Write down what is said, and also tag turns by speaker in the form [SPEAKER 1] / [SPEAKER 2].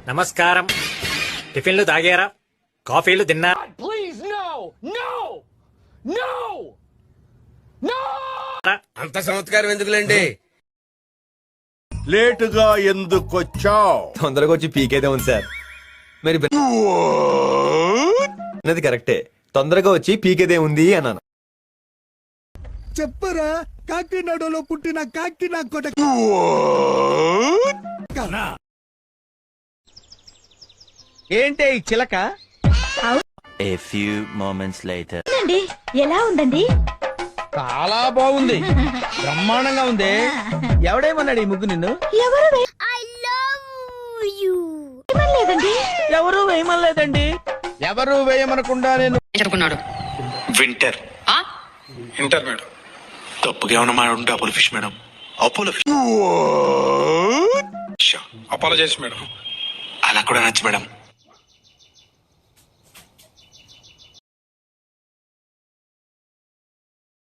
[SPEAKER 1] నమస్కారం. టిఫిన్లు తాగారా? కాఫీలు తిన్నారా?
[SPEAKER 2] Please, no! No! No! No!
[SPEAKER 3] అంత సంస్కారం ఎందుకులేండి?
[SPEAKER 4] లేటుగా ఎందుకొచ్చావ్?
[SPEAKER 5] తొందరగా వచ్చి పీకేదే ఉంది సార్. మరి అన్నది కరెక్టే, తొందరగా వచ్చి పీకేదే ఉంది అన్నాను.
[SPEAKER 6] చెప్పరా కాకినాడలో పుట్టిన కాకినా కొట
[SPEAKER 2] ఏంటే ఈ చిలక?
[SPEAKER 7] A few moments later.
[SPEAKER 8] ఎలా ఉందండి?
[SPEAKER 2] చాలా బాగుంది, బ్రహ్మాండంగా ఉంది. ఎవడేమన్నాడు ఈ ముగ్గు నిన్ను?
[SPEAKER 8] ఎవరు లేదండి.
[SPEAKER 2] ఎవరు వేయమనలేదండి. ఎవరు వేయమనకుండా నేను
[SPEAKER 9] చెప్పుకున్నాడు.
[SPEAKER 10] Winter winter madam. తప్పుగా ఏమన్నా మాట్లాడుంటే Apollo fish madam. Apollo fish apologise madam. అలా కూడా నచ్చు మేడం.